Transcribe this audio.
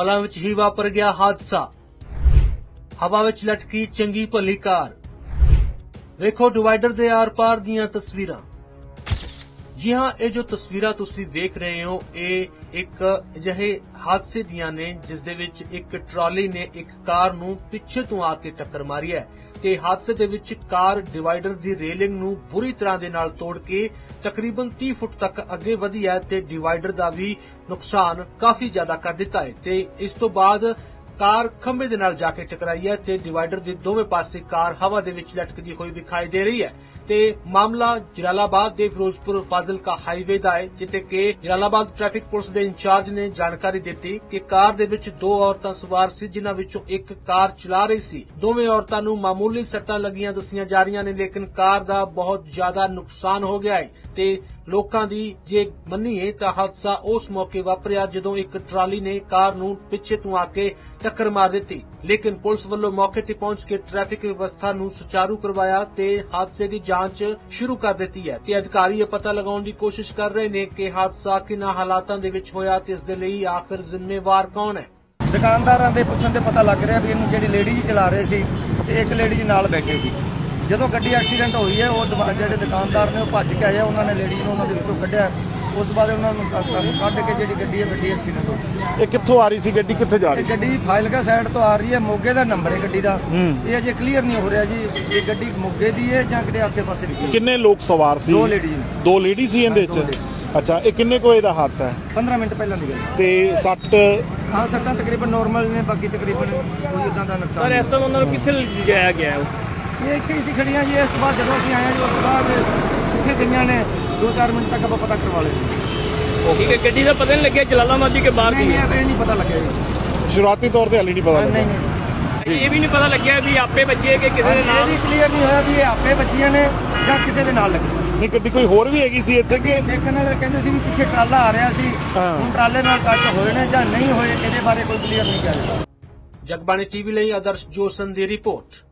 ਪਲਾਂ ਵਿੱਚ ਹੀ ਵਾਪਰ ਗਿਆ ਹਾਦਸਾ। ਹਵਾ ਵਿੱਚ ਲਟਕੀ ਚੰਗੀ ਭਲੀ ਕਾਰ। ਵੇਖੋ ਡਿਵਾਈਡਰ ਦੇ ਆਰ-ਪਾਰ ਦੀਆਂ ਤਸਵੀਰਾਂ। ਜੀ ਹਾਂ, ਇਹ ਜੋ ਤਸਵੀਰਾਂ ਤੁਸੀਂ ਵੇਖ ਰਹੇ ਹੋ ਇਹ ਇੱਕ ਅਜਿਹੇ ਹਾਦਸੇ ਦੀਆਂ ਨੇ ਜਿਸ ਦੇ ਵਿੱਚ ਇੱਕ ਟਰਾਲੀ ਨੇ ਇੱਕ ਕਾਰ ਨੂੰ ਪਿੱਛੇ ਤੋਂ ਆ ਕੇ ਟੱਕਰ ਮਾਰੀ ਹੈ ਤੇ ਹਾਦਸੇ ਦੇ ਵਿੱਚ ਕਾਰ ਡਿਵਾਈਡਰ ਦੀ ਰੇਲਿੰਗ ਨੂੰ ਬੁਰੀ ਤਰ੍ਹਾਂ ਦੇ ਨਾਲ ਤੋੜ ਕੇ ਤਕਰੀਬਨ 30 ਫੁੱਟ ਤੱਕ ਅੱਗੇ ਵਧੀ ਹੈ ਤੇ ਡਿਵਾਈਡਰ ਦਾ ਵੀ ਨੁਕਸਾਨ ਕਾਫੀ ਜ਼ਿਆਦਾ ਕਰ ਦਿੱਤਾ ਹੈ ਤੇ ਇਸ ਤੋਂ ਬਾਅਦ ਕਾਰ ਖੰਭੇ ਦੇ ਨਾਲ ਜਾ ਕੇ ਟਕਰਾਈ ਹੈ ਤੇ ਡਿਵਾਈਡਰ ਦੇ ਦੋਵੇਂ ਪਾਸੇ ਕਾਰ ਹਵਾ ਦੇ ਵਿੱਚ ਲਟਕਦੀ ਹੋਈ ਦਿਖਾਈ ਦੇ ਰਹੀ ਹੈ ਤੇ ਮਾਮਲਾ ਜਲਾਲਾਬਾਦ ਦੇ ਫਿਰੋਜ਼ਪੁਰ ਫਾਜ਼ਿਲਕਾ ਹਾਈਵੇ ਦਾ ਹੈ, ਜਿੱਥੇ ਕਿ ਜਲਾਲਾਬਾਦ ਟ੍ਰੈਫਿਕ ਪੁਲਿਸ ਦੇ ਇੰਚਾਰਜ ਨੇ ਜਾਣਕਾਰੀ ਦਿੱਤੀ ਕਿ ਕਾਰ ਦੇ ਵਿੱਚ ਦੋ ਔਰਤਾਂ ਸਵਾਰ ਸੀ, ਜਿਨ੍ਹਾਂ ਵਿੱਚੋਂ ਇੱਕ ਕਾਰ ਚਲਾ ਰਹੀ ਸੀ। ਦੋਵੇਂ ਔਰਤਾਂ ਨੂੰ ਮਾਮੂਲੀ ਸੱਟਾਂ ਲੱਗੀਆਂ ਦੱਸੀਆਂ ਜਾ ਰਹੀਆਂ ਨੇ, ਲੇਕਿਨ ਕਾਰ ਦਾ ਬਹੁਤ ਜ਼ਿਆਦਾ ਨੁਕਸਾਨ ਹੋ ਗਿਆ ਹੈ ਤੇ ਲੋਕਾਂ ਦੀ ਜੇ ਮੰਨੀਏ ਤਾਂ ਹਾਦਸਾ ਉਸ ਮੌਕੇ ਵਾਪਰਿਆ ਜਦੋਂ ਇੱਕ ਟਰਾਲੀ ਨੇ ਕਾਰ ਨੂੰ ਪਿੱਛੇ ਤੋਂ ਆ ਕੇ ਟੱਕਰ ਮਾਰ ਦਿੱਤੀ, ਲੇਕਿਨ ਪੁਲਿਸ ਵੱਲੋਂ ਮੌਕੇ ਤੇ ਪਹੁੰਚ ਕੇ ਟ੍ਰੈਫਿਕ ਵਿਵਸਥਾ ਨੂੰ ਸੁਚਾਰੂ ਕਰਵਾਇਆ ਤੇ ਹਾਦਸੇ ਦੀ ਜਾਂਚ ਸ਼ੁਰੂ ਕਰ ਦਿੱਤੀ ਹੈ ਤੇ ਅਧਿਕਾਰੀ ਇਹ ਪਤਾ ਲਗਾਉਣ ਦੀ ਕੋਸ਼ਿਸ਼ ਕਰ ਰਹੇ ਨੇ ਕਿ ਹਾਦਸਾ ਕਿਹਨਾਂ ਹਾਲਾਤਾਂ ਦੇ ਵਿੱਚ ਹੋਇਆ ਤੇ ਇਸ ਦੇ ਲਈ ਆਖਰ ਜ਼ਿੰਮੇਵਾਰ ਕੌਣ ਹੈ। ਦੁਕਾਨਦਾਰਾਂ ਦੇ ਪੁੱਛਣ ਤੇ ਪਤਾ ਲੱਗ ਰਿਹਾ ਵੀ ਇਹਨੂੰ ਜਿਹੜੀ ਲੇਡੀ ਜੀ ਚਲਾ ਰਹੇ ਸੀ ਤੇ ਇੱਕ ਲੇਡੀ ਜੀ ਨਾਲ ਬੈਠੇ ਸੀ। ਜਦੋਂ ਗੱਡੀ ਐਕਸੀਡੈਂਟ ਹੋਈ ਹੈ ਉਹ ਜਿਹੜੇ ਦੁਕਾਨਦਾਰ ਨੇ ਉਹ ਭੱਜ ਕੇ ਆਏ, ਉਹਨਾਂ ਨੇ ਲੇਡੀ ਨੂੰ ਉਹਨਾਂ ਦੇ ਵਿੱਚੋਂ ਕੱਢਿਆ। ਉਸ ਤੋਂ ਬਾਅਦ ਉਹਨਾਂ ਨੂੰ ਕੱਢ ਕੇ ਜਿਹੜੀ ਗੱਡੀ ਹੈ ਗੱਡੀ ਐਕਸੀਡੈਂਟ ਹੋ ਗਈ। ਇਹ ਕਿੱਥੋਂ ਆ ਰਹੀ ਸੀ ਗੱਡੀ, ਕਿੱਥੇ ਜਾ ਰਹੀ ਸੀ? ਗੱਡੀ ਫਾਜ਼ਿਲਕਾ ਸਾਈਡ ਤੋਂ ਆ ਰਹੀ ਹੈ, ਮੋਗੇ ਦਾ ਨੰਬਰ ਹੈ ਗੱਡੀ ਦਾ। ਇਹ ਅਜੇ ਕਲੀਅਰ ਨਹੀਂ ਹੋ ਰਿਹਾ ਜੀ ਇਹ ਗੱਡੀ ਮੋਗੇ ਦੀ ਹੈ ਜਾਂ ਕਿਤੇ ਆਸੇ-ਪਾਸੇ ਦੀ। ਕਿੰਨੇ ਲੋਕ ਸਵਾਰ ਸੀ? ਦੋ ਲੇਡੀ ਸੀ ਇਹਦੇ ਵਿੱਚ। ਅੱਛਾ, ਇਹ ਕਿੰਨੇ ਕੁ ਵਜੇ ਦਾ ਹਾਦਸਾ ਹੈ? 15 ਮਿੰਟ ਪਹਿਲਾਂ ਦੀ ਗੱਲ ਤੇ ਸੱਟ? ਹਾਂ, ਸੱਟਾਂ ਤਕਰੀਬਨ ਨਾਰਮਲ ਨੇ, ਬਾਕੀ ਤਕਰੀਬਨ ਕੋਈ ਇਦਾਂ ਦਾ ਨੁਕਸਾਨ ਸਰ ਇਸ ਤੋਂ ਉਹਨਾਂ ਨੂੰ ਕਿੱਥੇ ਲਿਜਾਇਆ ਗਿਆ ਹੈ? ਇਹ ਇੱਥੇ ਹੀ ਸੀ ਖੜੀਆਂ ਜੀ। ਇਸ ਤੋਂ ਬਾਅਦ ਜਦੋਂ ਅਸੀਂ ਆਏ ਜੀ ਉਸ ਤੋਂ ਬਾਅਦ ਕਿੱਥੇ ਗਈਆਂ ਨੇ 2-4 ਮਿੰਟ ਤੱਕ ਆਪਾਂ ਪਤਾ ਕਰਵਾ ਲਿਆ। ਠੀਕ ਹੈ, ਗੱਡੀ ਦਾ ਪਤਾ ਨਹੀਂ ਲੱਗਿਆ ਜਲਾਲਾਬਾਦ ਦੀ ਕਿ ਬਾਹਰ ਦੀ? ਨਹੀਂ, ਇਹ ਨਹੀਂ ਪਤਾ ਲੱਗਿਆ ਜੀ। ਸ਼ੁਰੂਆਤੀ ਤੌਰ ਤੇ ਹਾਲੇ ਨਹੀਂ ਪਤਾ ਨਹੀਂ ਲੱਗਾ। ਇਹ ਵੀ ਨਹੀਂ ਪਤਾ ਲੱਗਿਆ ਵੀ ਆਪੇ ਵੱਜੇ ਕਿ ਕਿਸੇ ਦੇ ਇਹ ਨਾਲ? ਵੀ ਕਲੀਅਰ ਨਹੀਂ ਹੋਇਆ ਵੀ ਇਹ ਆਪੇ ਬੱਚੀਆਂ ਨੇ ਜਾਂ ਕਿਸੇ ਦੇ ਨਾਲ ਲੱਗੀ। ਨਹੀਂ, ਗੱਡੀ ਕੋਈ ਹੋਰ ਵੀ ਹੈਗੀ ਸੀ ਇੱਥੇ ਕਿ? ਦੇਖਣ ਵਾਲੇ ਕਹਿੰਦੇ ਸੀ ਵੀ ਪਿੱਛੇ ਟਰਾਲਾ ਆ ਰਿਹਾ ਸੀ, ਹੁਣ ਟਰਾਲੇ ਨਾਲ ਟੱਚ ਹੋਏ ਨੇ ਜਾਂ ਨਹੀਂ ਹੋਏ ਇਹਦੇ ਬਾਰੇ ਕੋਈ ਕਲੀਅਰ ਨਹੀਂ ਕਿਹਾ। ਜਗਬਾਣੀ ਟੀਵੀ ਲਈ ਆਦਰਸ਼ ਜੋਸਨ ਦੀ ਰਿਪੋਰਟ।